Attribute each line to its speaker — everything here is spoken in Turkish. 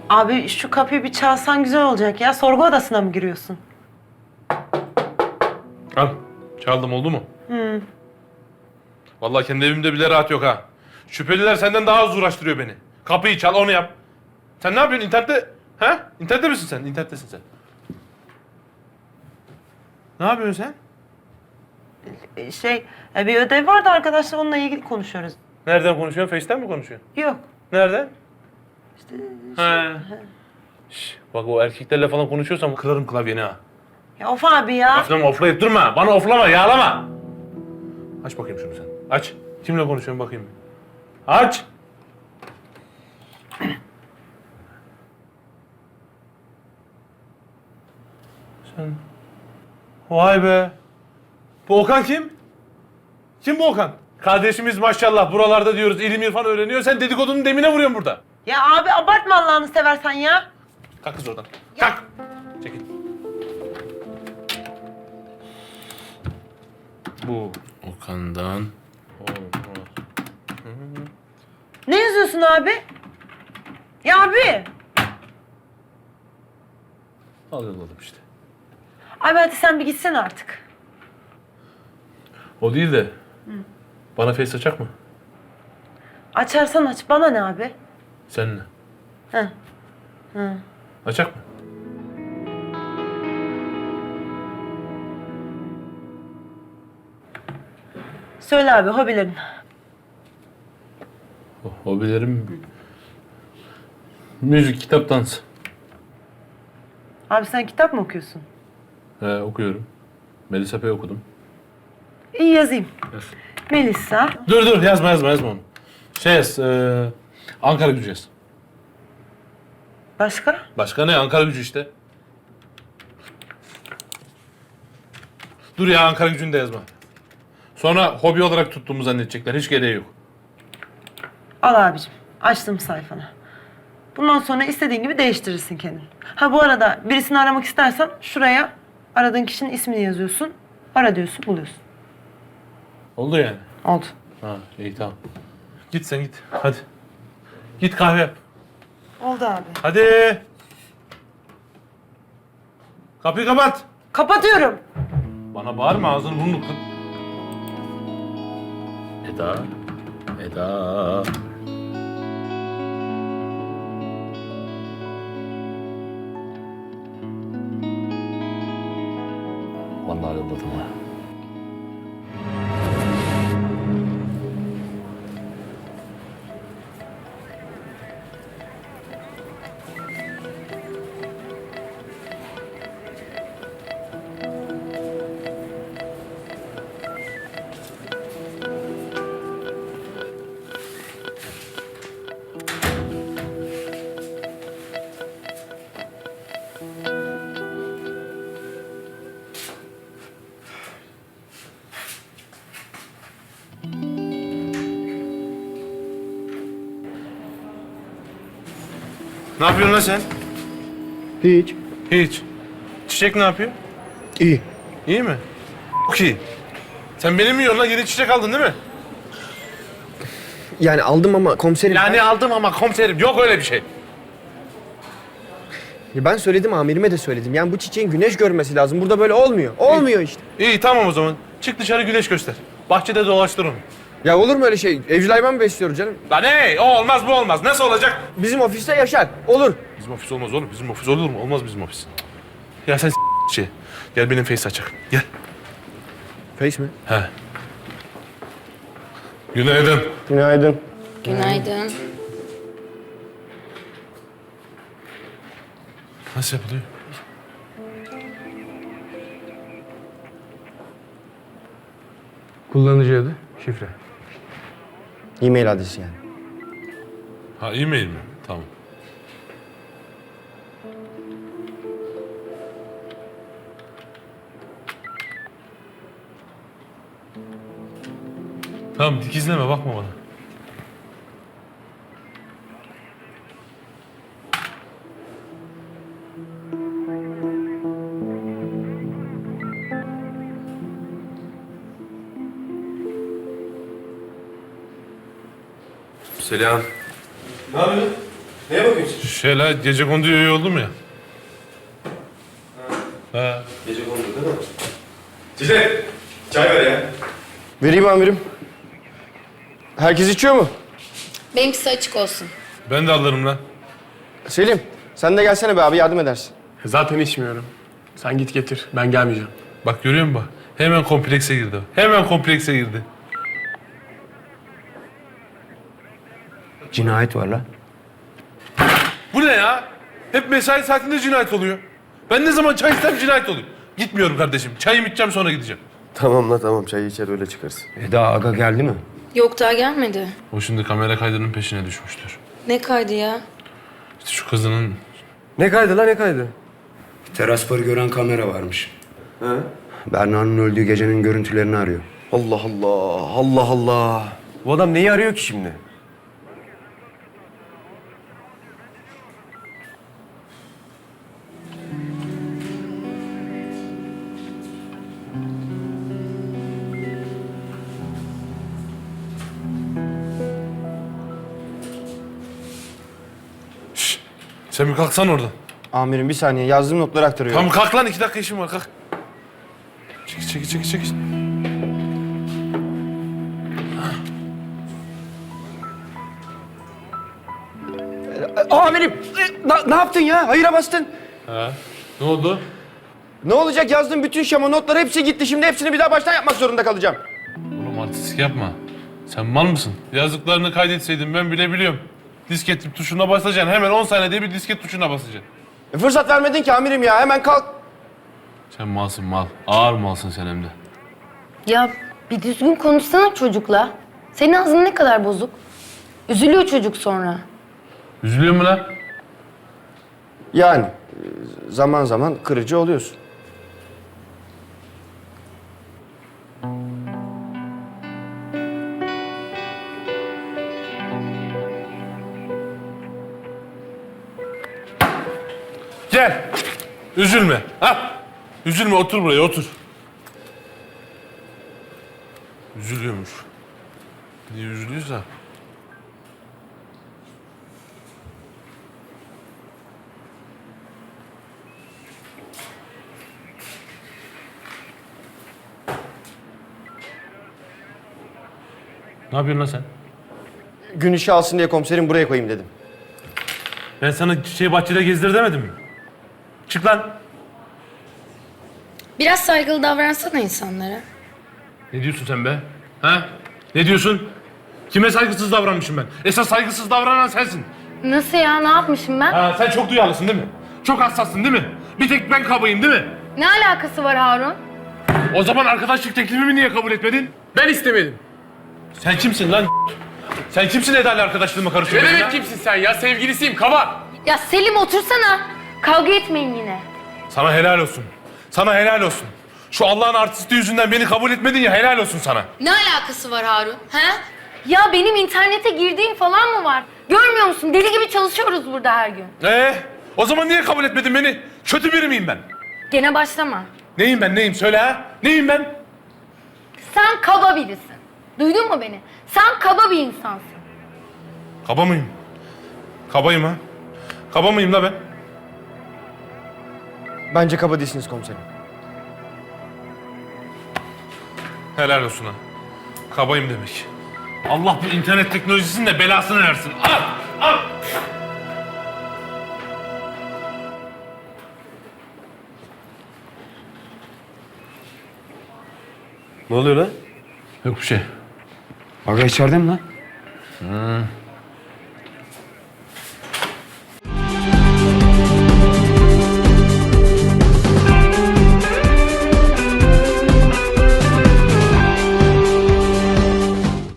Speaker 1: Abi şu kapıyı bir çalsan güzel olacak ya. Sorgu odasına mı giriyorsun?
Speaker 2: Al. Çaldım, oldu mu?
Speaker 1: Hı.
Speaker 2: Vallahi kendi evimde bile rahat yok ha. Şüpheliler senden daha az uğraştırıyor beni. Kapıyı çal, onu yap. Sen ne yapıyorsun internette? Ha? İnternette misin sen? İnternettesin sen. Ne yapıyorsun sen?
Speaker 1: Bir ödev vardı arkadaşlar, onunla ilgili konuşuyoruz.
Speaker 2: Nereden konuşuyorsun? Face'ten mi konuşuyorsun?
Speaker 1: Yok.
Speaker 2: Nereden?
Speaker 1: İşte
Speaker 2: He. Şş, bak o erkeklerle falan konuşuyorsam kırarım klavyeni ha.
Speaker 1: Ya of abi ya.
Speaker 2: Aferin, oflayıp durma. Bana oflama, yağlama. Aç bakayım şunu sen. Aç. Kimle konuşuyorsun bakayım. Aç. Sen... Vay be. Bu Okan kim? Kim bu Okan? Kardeşimiz maşallah buralarda diyoruz ilim irfan öğreniyor. Sen dedikodunun demine vuruyorsun burada.
Speaker 1: Ya abi abartma Allah'ını seversen ya.
Speaker 2: Kalk kız oradan. Kalk. Çekil. Bu Okan'dan olmaz.
Speaker 1: Ne yazıyorsun abi? Ya abi.
Speaker 2: Al yolladım işte.
Speaker 1: Abi hadi sen bir gitsen artık.
Speaker 2: O değil de bana face açacak mı?
Speaker 1: Açarsan aç, bana ne abi?
Speaker 2: Seninle.
Speaker 1: Hı. Hı.
Speaker 2: Açacak mı?
Speaker 1: Söyle abi hobilerin.
Speaker 2: Hobilerim... Müzik, kitap, dans.
Speaker 1: Abi sen kitap mı okuyorsun?
Speaker 2: Okuyorum. Melisa P okudum.
Speaker 1: İyi yazayım.
Speaker 2: Yaz.
Speaker 1: Melisa.
Speaker 2: Dur yazma onu. Şey yaz, Ankara Gücü yaz.
Speaker 1: Başka?
Speaker 2: Başka ne? Ankara Gücü işte. Dur ya, Ankara Gücü'nü de yazma. Sonra hobi olarak tuttuğumu zannedecekler. Hiç gereği yok.
Speaker 1: Al abicim. Açtım sayfanı. Bundan sonra istediğin gibi değiştirirsin kendini. Ha bu arada birisini aramak istersen şuraya aradığın kişinin ismini yazıyorsun. Ara diyorsun, buluyorsun.
Speaker 2: Oldu yani.
Speaker 1: Oldu.
Speaker 2: Ha, iyi tamam. Git sen git. Hadi. Git kahve yap.
Speaker 1: Oldu abi.
Speaker 2: Hadi. Kapıyı kapat.
Speaker 1: Kapatıyorum.
Speaker 2: Bana bağırma, ağzını burnunu kır. Eda. Vallahi yolladım ha. Ne yapıyorsun lan sen?
Speaker 3: Hiç.
Speaker 2: Hiç. Çiçek ne yapıyor?
Speaker 3: İyi.
Speaker 2: İyi mi? Çok iyi. Sen benim yiyorsun lan, yeni çiçek aldın değil mi?
Speaker 3: Yani aldım ama komiserim...
Speaker 2: Yani aldım ama komiserim, yok öyle bir şey.
Speaker 3: Ben söyledim, amirime de söyledim. Yani bu çiçeğin güneş görmesi lazım. Burada böyle olmuyor. Olmuyor işte.
Speaker 2: İyi tamam o zaman. Çık dışarı, güneş göster. Bahçede dolaştır onu.
Speaker 3: Ya olur mu öyle şey? Evcil hayvan mı besliyoruz canım?
Speaker 2: Lan ne? O olmaz, bu olmaz. Nasıl olacak?
Speaker 3: Bizim ofiste yaşar. Olur.
Speaker 2: Bizim ofis olmaz oğlum. Bizim ofis olur mu? Olmaz bizim ofis. Ya sen şey. Gel benim face açak. Gel.
Speaker 3: Face mi?
Speaker 2: He. Günaydın.
Speaker 3: Günaydın.
Speaker 4: Günaydın.
Speaker 2: Nasıl yapılıyor?
Speaker 5: Kullanıcı adı, şifre.
Speaker 3: E-mail adresi yani.
Speaker 2: Ha, e-mail mi? Tamam. Tamam, dikizleme, bakma bana. Selam.
Speaker 6: Ne yapıyorsun?
Speaker 3: Neye bakıyorsun?
Speaker 2: Şeyler gece konduya üye oldum ya. Ha.
Speaker 3: Gece kondu değil mi? Cize, çay ver ya. Vereyim amirim. Herkes içiyor mu?
Speaker 4: Benimkisi açık olsun.
Speaker 2: Ben de alırım lan.
Speaker 3: Selim, sen de gelsene be abi, yardım edersin.
Speaker 5: Zaten içmiyorum. Sen git getir. Ben gelmeyeceğim.
Speaker 2: Bak görüyor musun bak? Hemen komplekse girdi. Hemen komplekse girdi.
Speaker 6: Cinayet var la.
Speaker 2: Bu ne ya? Hep mesai saatinde cinayet oluyor. Ben ne zaman çay istem cinayet oluyor. Gitmiyorum kardeşim. Çayımı içeceğim sonra gideceğim.
Speaker 7: Tamam la tamam, çayı içer öyle çıkarsın.
Speaker 6: Eda Aga geldi mi?
Speaker 4: Yok daha gelmedi.
Speaker 2: O şimdi kamera kaydının peşine düşmüştür.
Speaker 4: Ne kaydı ya?
Speaker 2: İşte şu kızının...
Speaker 7: Ne kaydı la ne kaydı?
Speaker 6: Teras barı gören kamera varmış.
Speaker 7: He?
Speaker 6: Berna'nın öldüğü gecenin görüntülerini arıyor.
Speaker 7: Allah Allah, Allah Allah. Bu adam neyi arıyor ki şimdi?
Speaker 2: Sen bir kalksan oradan.
Speaker 3: Amirim bir saniye, yazdığım notları aktarıyorum.
Speaker 2: Tamam kalk lan 2 dakika işim var kalk. Çekil.
Speaker 3: Amirim, ne yaptın ya? Hayıra bastın.
Speaker 2: Ha. Ne oldu?
Speaker 3: Ne olacak, yazdığım bütün şema notları hepsi gitti. Şimdi hepsini bir daha baştan yapmak zorunda kalacağım.
Speaker 2: Oğlum artistik yapma. Sen mal mısın? Yazdıklarını kaydetseydin ben bile biliyorum. Disket tuşuna basacaksın. Hemen 10 saniyede bir disket tuşuna basacaksın.
Speaker 3: Fırsat vermedin ki amirim ya, hemen kalk.
Speaker 2: Sen malsın mal. Ağır malsın sen hem de.
Speaker 4: Ya bir düzgün konuşsana çocukla. Senin ağzın ne kadar bozuk. Üzülüyor çocuk sonra.
Speaker 2: Üzülüyor mu lan?
Speaker 3: Yani zaman zaman kırıcı oluyorsun.
Speaker 2: Gel. Üzülme. Ha? Üzülme otur buraya otur. Üzülüyormuş. Niye üzülüyorsa? Ne yapıyorsun lan sen?
Speaker 3: Gün işi alsın diye komiserim buraya koyayım dedim.
Speaker 2: Ben sana bahçede gezdir demedim mi? Çık lan.
Speaker 4: Biraz saygılı davransana insanlara.
Speaker 2: Ne diyorsun sen be? Ha? Ne diyorsun? Kime saygısız davranmışım ben? Esas saygısız davranan sensin.
Speaker 4: Nasıl ya? Ne yapmışım ben?
Speaker 2: Ha, sen çok duyarlısın değil mi? Çok hassassın değil mi? Bir tek ben kabayım değil mi?
Speaker 4: Ne alakası var Harun?
Speaker 2: O zaman arkadaşlık teklifimi niye kabul etmedin?
Speaker 5: Ben istemedim.
Speaker 2: Sen kimsin lan? Sen kimsin Eda ile arkadaşlığıma
Speaker 5: Ne
Speaker 2: karışıyorsun?
Speaker 5: demek kimsin sen ya? Sevgilisiyim, kaba.
Speaker 4: Ya Selim otursana. Kavga etmeyin yine.
Speaker 2: Sana helal olsun. Sana helal olsun. Şu Allah'ın artisti yüzünden beni kabul etmedin ya helal olsun sana.
Speaker 4: Ne alakası var Harun? He? Ya benim internete girdiğim falan mı var? Görmüyor musun? Deli gibi çalışıyoruz burada her gün.
Speaker 2: O zaman niye kabul etmedin beni? Kötü biri miyim ben?
Speaker 4: Gene başlama.
Speaker 2: Neyim ben neyim söyle ha? Neyim ben?
Speaker 4: Sen kaba birisin. Duydun mu beni? Sen kaba bir insansın.
Speaker 2: Kaba mıyım? Kabayım ha? Kaba mıyım la ben?
Speaker 3: Bence kaba değilsiniz komiserim.
Speaker 2: Helal olsun ha. Kabayım demek. Allah bu internet teknolojisinin de belasını versin. Al! Al!
Speaker 7: Ne oluyor lan?
Speaker 2: Yok bir şey.
Speaker 6: Aga içeride mi lan?